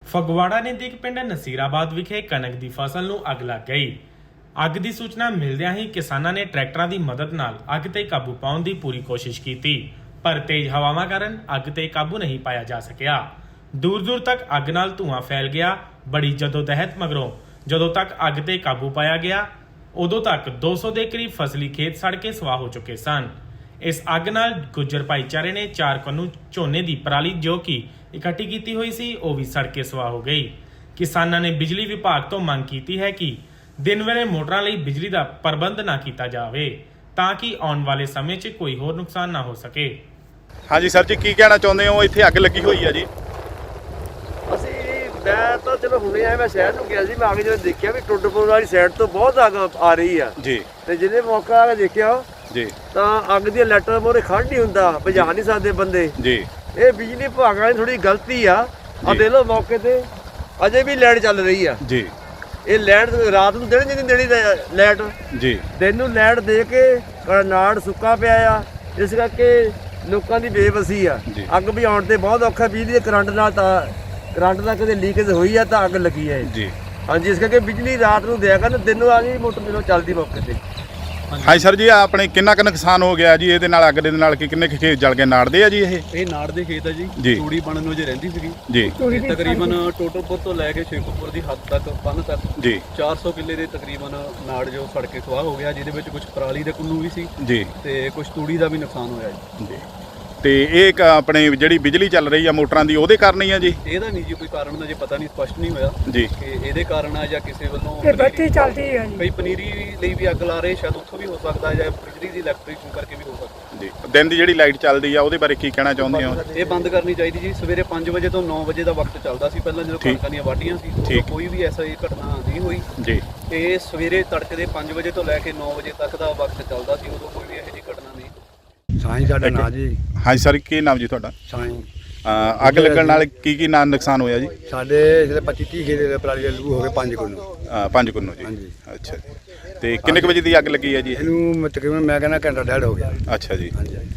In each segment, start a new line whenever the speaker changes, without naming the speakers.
ਫਗਵਾੜਾ ਨਜ਼ਦੀਕ ਪਿੰਡ ਨਸੀਰਾਬਾਦ ਵਿਖੇ ਕਣਕ ਦੀ ਫਸਲ ਨੂੰ ਅੱਗ ਲੱਗ ਗਈ। ਅੱਗ ਦੀ ਸੂਚਨਾ ਮਿਲਦਿਆਂ ਹੀ ਕਿਸਾਨਾਂ ਨੇ ਟਰੈਕਟਰਾਂ ਦੀ ਮਦਦ ਨਾਲ ਅੱਗ ਤੇ ਕਾਬੂ ਪਾਉਣ ਦੀ ਪੂਰੀ ਕੋਸ਼ਿਸ਼ ਕੀਤੀ, ਪਰ ਤੇਜ਼ ਹਵਾਵਾਂ ਕਾਰਨ ਅੱਗ ਤੇ ਕਾਬੂ ਨਹੀਂ ਪਾਇਆ ਜਾ ਸਕਿਆ। ਦੂਰ ਤੱਕ ਅੱਗ ਨਾਲ ਧੂੰਆਂ ਫੈਲ ਗਿਆ। ਬੜੀ ਜਦੋਜਹਿਦ ਮਗਰੋਂ ਜਦੋਂ ਤੱਕ ਅੱਗ ਤੇ ਕਾਬੂ ਪਾਇਆ ਗਿਆ, ਉਦੋਂ ਤੱਕ 200 ਦੇ ਕਰੀਬ ਫਸਲੀ ਖੇਤ ਸੜ ਕੇ ਸਵਾਹ ਹੋ ਚੁੱਕੇ ਸਨ। ਇਸ ਅੱਗ ਨਾਲ ਗੁੱਜਰ ਭਾਈਚਾਰੇ ਨੇ 4 ਕੰਨੂ ਝੋਨੇ ਦੀ ਪਰਾਲੀ ਜੋ ਕਿ ਇਕੱਠੀ ਕੀਤੀ ਹੋਈ ਸੀ ਉਹ ਵੀ ਸੜ ਕੇ ਸਵਾਹ ਹੋ ਗਈ। ਕਿਸਾਨਾਂ ਨੇ ਬਿਜਲੀ ਵਿਭਾਗ ਤੋਂ ਮੰਗ ਕੀਤੀ ਹੈ ਕਿ ਦਿਨ ਵੇਲੇ ਮੋਟਰਾਂ ਲਈ ਬਿਜਲੀ ਦਾ ਪ੍ਰਬੰਧ ਨਾ ਕੀਤਾ ਜਾਵੇ ਤਾਂ ਕਿ ਆਉਣ ਵਾਲੇ ਸਮੇਂ 'ਚ ਕੋਈ ਹੋਰ ਨੁਕਸਾਨ ਨਾ ਹੋ ਸਕੇ।
ਹਾਂਜੀ ਸਰ ਜੀ, ਕੀ ਕਹਿਣਾ ਚਾਹੁੰਦੇ ਹੋ? ਇੱਥੇ ਅੱਗ ਲੱਗੀ ਹੋਈ ਹੈ ਜੀ।
ਮੈਂ ਤਾਂ ਚਲੋ ਹੁਣੇ ਆਇਆ, ਮੈਂ ਸ਼ਹਿਰ ਨੂੰ ਗਿਆ ਸੀ। ਮੈਂ ਆ ਕੇ ਜਦੋਂ ਦੇਖਿਆ ਵੀ ਟੁੱਟਪੁਰ ਵਾਲੀ ਸਾਈਡ ਤੋਂ ਬਹੁਤ ਅੱਗ ਆ ਰਹੀ ਆ ਜੀ, ਤੇ ਜਿਹਨੇ ਮੌਕਾ ਆ ਕੇ ਦੇਖਿਆ ਜੀ ਤਾਂ ਅੱਗ ਦੀ ਲੈਟਰ ਮੋਰੇ ਖੜ ਨਹੀਂ ਹੁੰਦਾ, ਭਜਾ ਨਹੀਂ ਸਕਦੇ ਬੰਦੇ ਜੀ। ਇਹ ਬਿਜਲੀ ਵਿਭਾਗ ਵਾਲੀ ਥੋੜੀ ਗਲਤੀ ਆ। ਆ ਦੇ ਲੋ ਮੌਕੇ ਤੇ ਅਜੇ ਵੀ ਲਾਈਟ ਚੱਲ ਰਹੀ ਆ ਜੀ। ਇਹ ਲਾਈਟ ਰਾਤ ਨੂੰ ਦੇਣੀ ਨਹੀਂ ਦੇਣੀ ਲਾਈਟ ਜੀ, ਦਿਨ ਨੂੰ ਲਾਈਟ ਦੇ ਕੇ ਨਾੜ ਸੁੱਕਾ ਪਿਆ ਆ। ਇਸ ਕਰਕੇ ਲੋਕਾਂ ਦੀ ਬੇਵਸੀ ਆ। ਅੱਗ ਬੁਝਾਉਣ ਤੇ ਬਹੁਤ ਔਖਾ। ਬਿਜਲੀ ਦੇ ਕਰੰਟ ਨਾਲ ਤਾਂ ਕਰੰਟ ਦਾ ਕਦੇ ਲੀਕੇਜ ਹੋਈ ਆ ਤਾਂ ਅੱਗ ਲੱਗੀ ਹੈ ਜੀ। ਹਾਂਜੀ, ਇਸ ਕਰਕੇ ਬਿਜਲੀ ਰਾਤ ਨੂੰ ਦਿਆ ਕਰਨ, ਦਿਨ ਨੂੰ ਆ ਗਈ ਮੋਟਰ ਜਦੋਂ ਚੱਲਦੀ ਮੌਕੇ ਤੇ।
ਹਾਂਜੀ ਸਰ ਜੀ, ਆਪਣੇ ਕਿੰਨਾ ਕੁ ਨੁਕਸਾਨ ਹੋ ਗਿਆ ਜੀ ਇਹਦੇ ਨਾਲ? ਅੱਗ ਦੇ ਨਾਲ ਕਿੰਨੇ ਖੇਤ ਜਲ ਗਏ? ਨਾੜਦੇ ਆ ਜੀ? ਇਹ
ਨਾੜ ਦੇ ਖੇਤ ਆ ਜੀ। ਤੂੜੀ ਬਣਨ ਨੂੰ ਜੇ ਰਹਿੰਦੀ ਸੀਗੀ
ਜੀ,
ਤਕਰੀਬਨ ਟੋਟਲਪੁਰ ਤੋਂ ਲੈ ਕੇ ਸ਼ੇਖੂਪੁਰ ਦੀ ਹੱਦ ਤੱਕ ਪੰਨ ਤੱਕ ਜੀ 400 ਕਿੱਲੇ ਦੇ ਤਕਰੀਬਨ ਨਾੜ ਜੋ ਸੜ ਕੇ ਸਵਾਹ ਹੋ ਗਿਆ, ਜਿਹਦੇ ਵਿੱਚ ਕੁਝ ਪਰਾਲੀ ਦੇ ਕੁੰਨੂ ਵੀ ਸੀ ਜੀ ਤੇ ਕੁਝ ਤੂੜੀ ਦਾ ਵੀ ਨੁਕਸਾਨ ਹੋਇਆ ਜੀ।
ਤੇ ਇਹ ਇੱਕ ਆਪਣੇ ਜਿਹੜੀ ਬਿਜਲੀ ਚੱਲ ਰਹੀ ਆ ਮੋਟਰਾਂ ਦੀ, ਉਹਦੇ ਕਾਰਨ ਹੀ ਆ ਜੀ?
ਇਹਦਾ ਨਹੀਂ ਜੀ ਕੋਈ ਕਾਰਨ ਦਾ ਜੇ ਪਤਾ ਨਹੀਂ, ਸਪਸ਼ਟ ਨਹੀਂ ਹੋਇਆ
ਜੀ ਕਿ
ਇਹਦੇ ਕਾਰਨ ਆ ਜਾਂ ਕਿਸੇ ਵੱਲੋਂ
ਬੱਤੀ ਚੱਲਦੀ ਹੈ ਜੀ।
ਕਈ ਪਨੀਰੀ ਲਈ ਵੀ ਅੱਗ ਲਾ ਰਹੇ, ਸ਼ਾਇਦ ਉੱਥੋਂ ਵੀ ਹੋ ਸਕਦਾ ਜਾਂ ਬਿਜਲੀ ਦੀ ਇਲੈਕਟ੍ਰੀਸ਼ਨ ਕਰਕੇ ਵੀ ਹੋ ਸਕਦਾ
ਜੀ। ਦਿਨ ਦੀ ਜਿਹੜੀ ਲਾਈਟ ਚੱਲਦੀ ਆ ਉਹਦੇ ਬਾਰੇ ਕੀ ਕਹਿਣਾ ਚਾਹੁੰਦੇ ਹੋ?
ਇਹ ਬੰਦ ਕਰਨੀ ਚਾਹੀਦੀ ਜੀ। ਸਵੇਰੇ 5 ਵਜੇ ਤੋਂ 9 ਵਜੇ ਦਾ ਵਕਤ ਚੱਲਦਾ ਸੀ ਪਹਿਲਾਂ, ਜਦੋਂ ਕਣਕਾਂ ਦੀਆਂ ਵਾਢੀਆਂ ਸੀ। ਕੋਈ ਵੀ ਐਸਾ ਘਟਨਾ ਨਹੀਂ ਹੋਈ ਜੀ। ਇਹ ਸਵੇਰੇ ਤੜਕੇ ਦੇ 5 ਵਜੇ ਤੋਂ ਲੈ ਕੇ 9 ਵਜੇ ਤੱਕ ਦਾ ਵਕਤ ਚੱਲਦਾ ਸੀ, ਉਦੋਂ ਕੋਈ ਵੀ ਇਹੋ ਜਿਹੀ ਘਟਨਾ ਨਹੀਂ।
ਸਾਈਂ ਸਾਡਾ ਨਾਂ ਜੀ।
ਹਾਂਜੀ ਸਰ, ਕੀ ਨਾਮ ਜੀ ਤੁਹਾਡਾ?
ਸਾਈਂ।
ਅੱਗ ਲੱਗਣ ਨਾਲ ਕੀ ਨੁਕਸਾਨ ਹੋਇਆ ਜੀ?
ਸਾਡੇ ਜਿਹੜੇ 25-30 ਖੇਤ ਪਰਾਲੀ ਦੇ ਲੂ ਹੋ ਗਏ 5 ਕੁੰਨੂ।
5 ਕੁੰਨੂ ਜੀ। ਹਾਂਜੀ, ਅੱਛਾ ਜੀ। ਤੇ ਕਿੰਨੇ ਕੁ ਵਜੇ ਦੀ ਅੱਗ ਲੱਗੀ ਹੈ ਜੀ?
ਇਹਨੂੰ ਤਕਰੀਬਨ ਮੈਂ ਕਹਿੰਦਾ ਘੰਟਾ ਡੇਢ ਹੋ ਗਿਆ।
ਅੱਛਾ ਜੀ।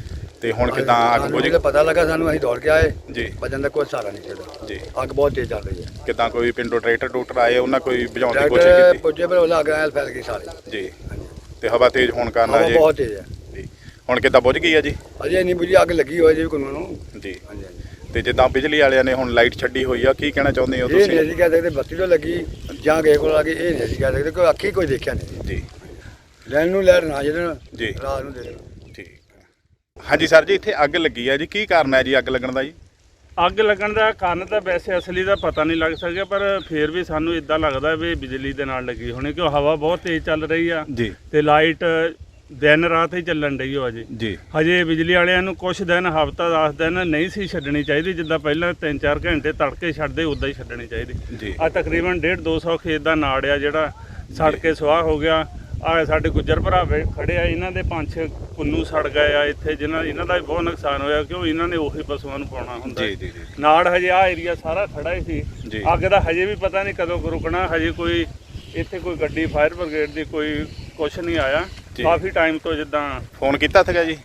ਤੇ ਹੁਣ ਕਿਦਾਂ ਅੱਗ ਬੁਝ ਗਈ?
ਪਤਾ ਲੱਗਾ ਸਾਨੂੰ, ਅਸੀਂ ਦੌੜ ਕੇ ਆਏ
ਜੀ।
ਬਚਣ ਦਾ ਕੋਈ ਸਹਾਰਾ ਨਹੀਂ ਸੀਗਾ ਜੀ। ਅੱਗ ਬਹੁਤ ਤੇਜ਼ ਚੱਲ ਰਹੀ ਹੈ।
ਕਿਦਾਂ ਕੋਈ ਪਿੰਡੋਂ ਟਰੈਕਟਰ ਆਏ, ਉਹਨਾਂ ਕੋਈ ਬੁਝਾਉਣ ਦੀ ਕੋਸ਼ਿਸ਼ ਕੀਤੀ?
ਪੁੱਜੇ ਪਰ ਉਹ ਅੱਗ ਫੈਲ ਗਈ ਸਾਰੀ ਜੀ।
ਤੇ ਹਵਾ ਤੇਜ਼ ਹੋਣ ਕਾਰਨ
ਹਵਾ ਬਹੁਤ ਤੇਜ਼ ਹੈ
ਜੀ। ਹੁਣ ਕਿਦਾਂ ਬੁਝ ਗਈ ਹੈ ਜੀ?
ਅਜੇ ਨਹੀਂ ਬੁਝੀ, ਅੱਗ ਲੱਗੀ ਹੋਈ ਜੀ ਕੁੰਨੂ ਨੂੰ ਜੀ। ਹਾਂਜੀ।
ਤੇ ਜਿੱਦਾਂ ਬਿਜਲੀ ਵਾਲਿਆਂ ਨੇ ਹੁਣ ਲਾਈਟ ਛੱਡੀ ਹੋਈ ਆ, ਕੀ ਕਹਿਣਾ ਚਾਹੁੰਦੇ ਹੋ
ਤੁਸੀਂ? ਇਹ ਨਹੀਂ ਅਸੀਂ ਕਹਿ ਸਕਦੇ ਬੱਤੀ ਤੋਂ ਲੱਗੀ ਜਾਂ ਕਿਸੇ ਕੋਲ ਆ ਗਈ, ਇਹ ਨਹੀਂ ਅਸੀਂ ਕਹਿ ਸਕਦੇ, ਕੋਈ ਅੱਖੀ ਕੋਈ ਦੇਖਿਆ ਨਹੀਂ ਜੀ। ਲੈਣ ਨੂੰ ਲੈਣ ਨਾ ਜਿਹੜਾ ਜੀ ਰਾਤ ਨੂੰ ਦੇ ਦੇਣ।
ਠੀਕ। ਹਾਂਜੀ ਸਰ ਜੀ, ਇੱਥੇ ਅੱਗ ਲੱਗੀ ਹੈ ਜੀ, ਕੀ ਕਾਰਨ ਹੈ ਜੀ ਅੱਗ ਲੱਗਣ ਦਾ ਜੀ?
ਅੱਗ ਲੱਗਣ ਦਾ ਕਾਰਨ ਤਾਂ ਵੈਸੇ ਅਸਲੀ ਦਾ ਪਤਾ ਨਹੀਂ ਲੱਗ ਸਕਿਆ, ਪਰ ਫਿਰ ਵੀ ਸਾਨੂੰ ਇਦਾਂ ਲੱਗਦਾ ਵੀ ਬਿਜਲੀ ਦੇ ਨਾਲ ਲੱਗੀ ਹੋਣੀ, ਕਿਉਂ ਹਵਾ ਬਹੁਤ ਤੇਜ਼ ਚੱਲ ਰਹੀ ਆ ਜੀ ਤੇ ਲਾਈਟ ਦਿਨ ਰਾਤ ਹੀ ਚੱਲਣ ਡਈ ਹੋ ਜੀ। ਹਜੇ ਬਿਜਲੀ ਵਾਲਿਆਂ ਨੂੰ ਕੁਛ ਦਿਨ, ਹਫ਼ਤਾ 10 ਦਿਨ ਨਹੀਂ ਸੀ ਛੱਡਣੀ ਚਾਹੀਦੀ। ਜਿੱਦਾਂ ਪਹਿਲਾਂ 3-4 ਘੰਟੇ ਤੜਕੇ ਛੱਡਦੇ ਉਦਾਂ ਹੀ ਛੱਡਣੀ ਚਾਹੀਦੀ। ਆ ਤਕਰੀਬਨ 150-200 ਖੇਤ ਦਾ ਨਾੜ ਆ ਜਿਹੜਾ ਸੜ ਕੇ ਸਵਾਹ ਹੋ ਗਿਆ। ਆ ਸਾਡੇ ਗੁੱਜਰ ਭਰਾ ਖੜੇ ਆ, ਇਹਨਾਂ ਦੇ 5-6 ਕੁੰਨੂ ਸੜ ਗਏ ਆ ਇੱਥੇ, ਇਹਨਾਂ ਦਾ ਵੀ ਬਹੁਤ ਨੁਕਸਾਨ ਹੋਇਆ, ਕਿਉਂ ਇਹਨਾਂ ਨੇ ਉਹੀ ਪਸ਼ੂਆਂ ਨੂੰ ਪਾਉਣਾ ਹੁੰਦਾ। ਨਾੜ ਹਜੇ ਆ ਏਰੀਆ ਸਾਰਾ ਖੜਾ ਹੀ ਸੀ। ਅੱਗ ਦਾ ਹਜੇ ਵੀ ਪਤਾ ਨਹੀਂ ਕਦੋਂ ਰੁਕਣਾ। ਹਜੇ ਕੋਈ ਇੱਥੇ ਕੋਈ ਗੱਡੀ ਫਾਇਰ ਬ੍ਰਿਗੇਡ ਦੀ ਕੋਈ ਕੁਛ ਨਹੀਂ ਆਇਆ ਕਾਫੀ ਟਾਈਮ ਤੋਂ। ਜਿੱਦਾਂ
ਫੋਨ ਕੀਤਾ ਸੀਗਾ ਜੀ?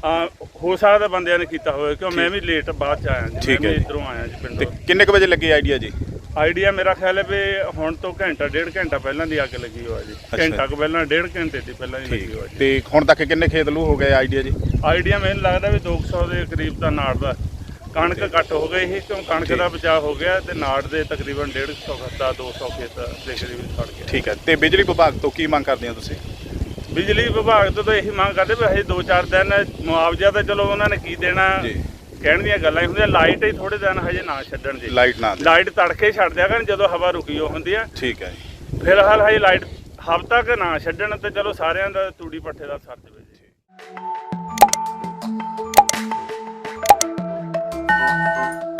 ਹੋ ਸਕਦਾ ਬੰਦਿਆਂ ਨੇ ਕੀਤਾ ਹੋਵੇ, ਕਿਉਂ ਮੈਂ ਵੀ ਲੇਟ ਬਾਅਦ ਚ ਆਇਆ ਜੀ। ਮੈਂ ਇੱਧਰੋਂ ਆਇਆ ਜੀ ਪਿੰਡੋਂ।
ਕਿੰਨੇ ਕੁ ਵਜੇ ਲੱਗੇ ਆਈਡੀਆ ਜੀ?
ਆਈਡੀਆ ਮੇਰਾ ਖਿਆਲ ਹੈ ਵੀ ਹੁਣ ਤੋਂ ਘੰਟਾ-1.5 ਘੰਟਾ ਪਹਿਲਾਂ ਦੀ ਅੱਗ ਲੱਗੀ ਹੋਇਆ ਜੀ। ਘੰਟਾ ਕੁ ਪਹਿਲਾਂ, 1.5 ਘੰਟੇ ਦੀ ਪਹਿਲਾਂ ਹੀ ਲੱਗੀ ਹੋਇਆ ਜੀ।
ਤੇ ਹੁਣ ਤੱਕ ਕਿੰਨੇ ਖੇਤ ਲੂ ਹੋ ਗਏ ਆਈਡੀਆ ਜੀ?
ਆਈਡੀਆ ਮੈਨੂੰ ਲੱਗਦਾ ਵੀ 200 ਦੇ ਕਰੀਬ ਦਾ ਨਾੜ ਦਾ। ਕਣਕ ਘੱਟ ਹੋ ਗਈ ਸੀ, ਕਿਉਂ ਕਣਕ ਦਾ ਬਚਾਅ ਹੋ ਗਿਆ, ਤੇ ਨਾੜ ਦੇ ਤਕਰੀਬਨ 150 ਦਾ 200 ਖੇਤ ਦੇ ਕਰੀਬ ਸੜ ਗਿਆ। ਠੀਕ ਹੈ।
ਤੇ ਬਿਜਲੀ ਵਿਭਾਗ ਤੋਂ ਕੀ ਮੰਗ ਕਰਦੇ ਹੋ ਤੁਸੀਂ?
ਬਿਜਲੀ ਵਿਭਾਗ ਤੋਂ ਤਾਂ ਇਹੀ ਮੰਗ ਕਰਦੇ ਵੀ ਹਜੇ 2-4 ਦਿਨ ਮੁਆਵਜ਼ਾ ਤਾਂ ਚਲੋ ਉਹਨਾਂ ਨੇ ਕੀ ਦੇਣਾ, ਕਹਿਣ ਦੀਆਂ ਗੱਲਾਂ ਹੀ ਹੁੰਦੀਆਂ। ਲਾਈਟ ਹੀ ਥੋੜੇ ਦਿਨ ਹਜੇ ਨਾ ਛੱਡਣ ਜੀ। ਲਾਈਟ ਤੜਕੇ ਛੱਡ ਦਿਆ ਕਰਨ ਜਦੋਂ ਹਵਾ ਰੁਕੀ ਹੋ ਹੁੰਦੀ ਆ। ਠੀਕ ਹੈ ਜੀ। ਫਿਲਹਾਲ ਹਜੇ ਲਾਈਟ ਹਫ਼ਤਾ ਕੁ ਨਾ ਛੱਡਣ ਤੇ ਚਲੋ ਸਾਰਿਆਂ ਦਾ ਤੂੜੀ ਪੱਠੇ ਦਾ ਸਰ ਜਾਵੇ ਜੀ।